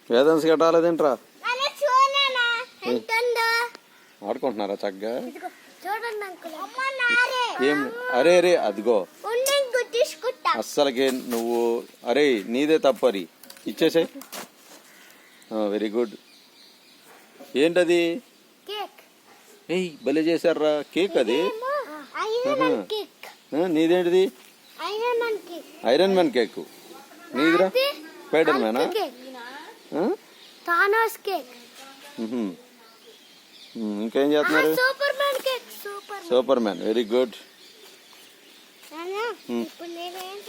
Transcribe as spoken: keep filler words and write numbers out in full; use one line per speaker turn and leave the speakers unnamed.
వేదాంశ కట్టాలేదేంట్రా?
నాన్న చూడనా ఎంతందో
ఆడుకుంటున్నారా చక్కగా?
చూడండి అంకుల్. అమ్మ నారే.
ఏం అరే అరే అదిగో
ఉండి గుట్టించుకుంటా.
అస్సలకే నువ్వు అరే నీదే తప్పరి ఇచ్చేసాయి. Very good. ఏంటది?
కేక్.
ఏయ్ భలే చేశారా కేక్ అది.
Iron man cake.
ఆ, నీదేంటిది?
Iron man cake.
Iron man cake. నీదిరా? స్పైడర్ మ్యానా?
కేక్. Thanos cake.
ఇంకేం చేస్తున్నారు?
Superman cake. Super
superman. Very good.
నాన్న ఇప్పుడు నేను